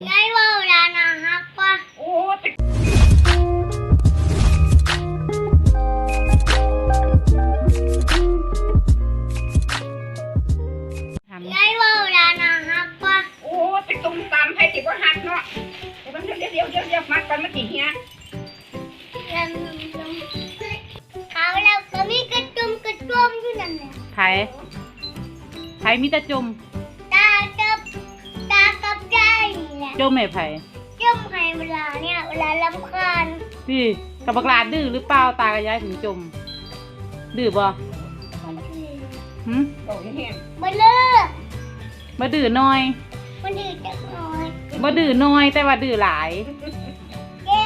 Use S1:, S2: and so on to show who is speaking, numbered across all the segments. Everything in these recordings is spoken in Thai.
S1: ยายว่าเวลานะฮักปะ
S2: โอ้
S1: ยายว่าเวลานะฮักปะ
S2: โอ้ไปตุ้มตามให้ติว่าหักเนาะเดี๋ยวมัดกันมาติเฮีย
S1: เขาแล้วก็มีกระจุมอยู่นั่นแหละ
S3: ไผมีแต่จม
S1: ตากับใจนี่แหละ
S3: จมให้ไผ
S1: จมให้เวลาเนี่ยเวลารำคาญ
S3: สิกับบักหลาดื้อหรือเปล่าตากับยายถึงจมดื้อบ่หึ
S2: บอกเฮีย
S1: มาเลิก
S3: บ่ดื้อน้อย
S1: มันดื้อจักหน่อย
S3: บ่ดื้อน้อยแต่ว่าดื้อหลาย
S1: แย่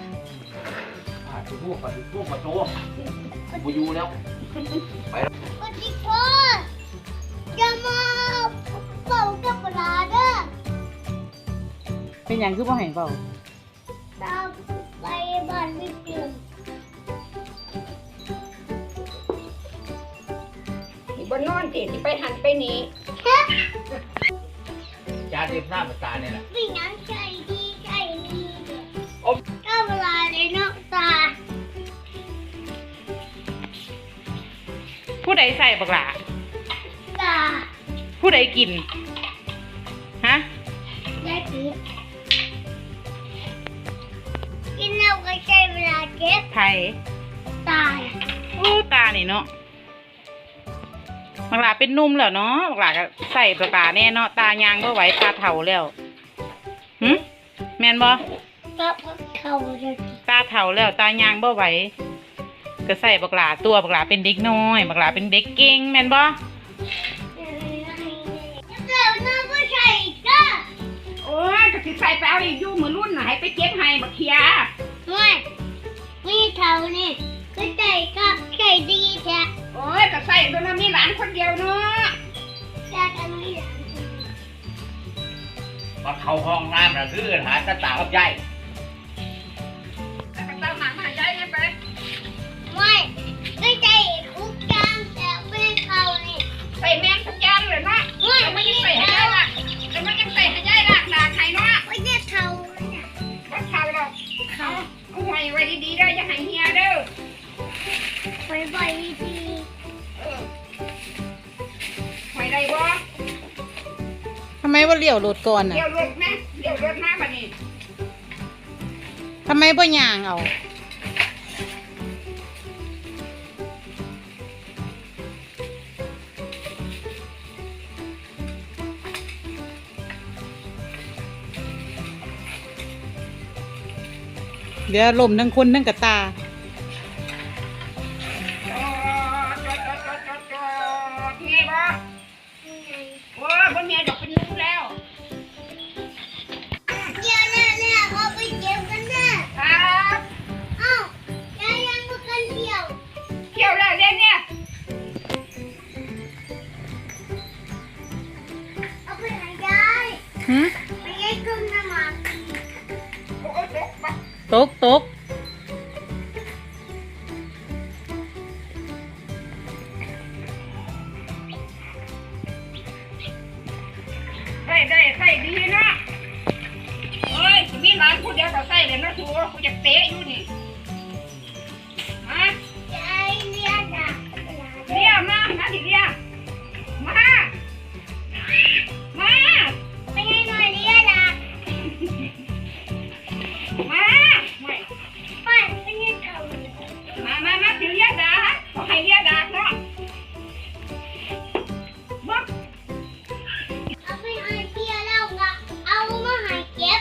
S4: พวกมาโตกูอยู่แล้วไปแล้ว
S1: กดที่พ่อจะมาเป่ากับเวลาเด้อ
S3: เป็นหยังคือบ่ให้เว้า
S1: ตามไปบ้านไม่เปลี่ยน
S2: ที่บนนอนติที่ไปหันไปนี้
S4: จานเด็บหน้าตาเนี่ยแหละ
S1: วิ่งน้ำใจดีใจดีก็เวลาในนอกตา
S3: ผู้ใดใส่บักหลา
S1: ตา
S3: ผู้ใดกินฮะ
S1: ได้กินกินแล้วก็ใช้เวลาเก็บ
S3: ไผ
S1: ตาย
S3: โอ้ตานี่เนาะบักหลาเป็นนุ่มแล้วเนาะบักหลาก็ใส่บักหลาแน่เนาะตายางบ่ไหวตาเฒ่าแล้วหึแม่นบ่
S1: ก็เขาจะ
S3: ตาเฒ่าแล้วตายางบ่ไหวก็ใส่บักหลาตัวบักหลาเป็นเด็กน้อยบักหลาเป็นเด็กเก่งแม่นบ่
S1: แล้วน้องก็ใส่ก็
S2: โอ้ยก็สิใส่ไปเอาอีกอยู่มือรุ่นไหนไปเก็บให้บักเขีย
S1: ไม่มีเท่านี่ก็ใส่ก็ใส่ดีแท้
S2: โอ้ยก็ใส่ตัวนั้นมีหลานคนเดียวเนาะ
S1: แต่กันไม่หลาน
S4: มาเข้าห้องน้ำนะคือหาตาตากับยาย
S2: แล้วก็ตามหมาใหญ่ไป
S1: ไม่ก็ใส่คุกกลางแต่ไม่เขานี่
S2: ใส่แมงทุกอย่างเลยเนาะไม่ยังใส่ให้ยายละแต่ไม่ยังใส่ให้ยายละด่าใครเนาะ
S1: ไม่ใช่เขาเนี่ย
S2: ก็เขาหรอกเขาเอาไว้ดีๆเด้ออย่าให้เฮียเด้อ
S1: ไปดี
S2: ไม่ได้บ่
S3: ทำไมว่าเลี้ยวรถก่อนน่ะ
S2: เลี้ยวรถนะเลี้ยวรถมาบัดนี้
S3: ทำไมบ่ย่างเอาเดี๋ยวลมทั้งคนทั้งกระตา
S2: เมียบ่โอ้ยบ่เมียดอกเป็นลูกแล้ว
S1: เดี๋ยวเนี่ยเขาไปเก็บกันนะครับเอ้ายังมากันเที่ยว
S2: แล้วเดี๋ยวเนี่ย
S1: เอาไปไหนยายไปยัยกึ่งน้ำมัน
S2: โอ้ย
S3: ตก
S2: ได้ใส่ดีเนาะเฮ้ยมีหลานผู้เดียวก็ใส่เลยนะทัวกูจะเตะอยู่นี่